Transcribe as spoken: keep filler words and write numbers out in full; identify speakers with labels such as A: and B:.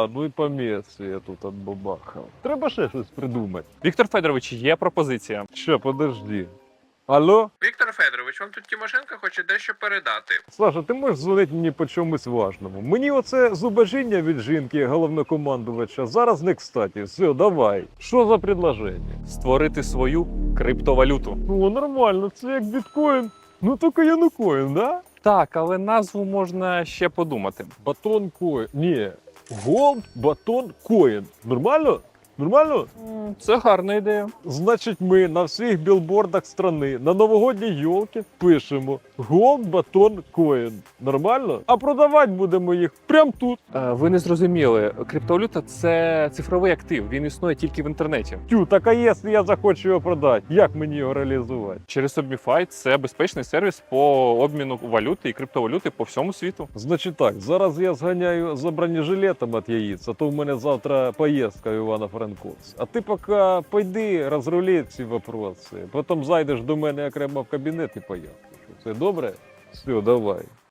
A: Да, ну і по місці я тут отбабахав. Треба ще щось придумати.
B: Віктор Федорович, є пропозиція.
A: Ще, подожди. Алло?
C: Віктор Федорович, вам тут Тимошенко хоче дещо передати.
A: Саша, ти можеш дзвонити мені по чомусь важному? Мені оце зубожіння від жінки головнокомандувача зараз не кстати. Все, давай. Що за предложення?
B: Створити свою криптовалюту.
A: Ну, нормально, це як біткоін. Ну, тільки янукоін, да?
B: Так, але назву можна ще подумати.
A: Батон коін. Ні. Голд, батон, коін. Нормально? Нормально?
B: М, Це гарна ідея.
A: Значить, ми на всіх білбордах страни на новогодній йолки пишемо Gold Baton Coin. Нормально? А продавати будемо їх прямо тут.
B: Е, Ви не зрозуміли, криптовалюта це цифровий актив, він існує тільки в інтернеті.
A: Тю, так а якщо я захочу його продати, як мені його реалізувати?
B: Через Submify це безпечний сервіс по обміну валюти і криптовалюти по всьому світу.
A: Значить так, зараз я зганяю за бронежилетом від яїць, а то в мене завтра поїздка в Івано-Франковськ. А ти поки пойди, розрули ці вопроси, потім зайдеш до мене окремо в кабінет і поїздиш. Це добре? Все, давай.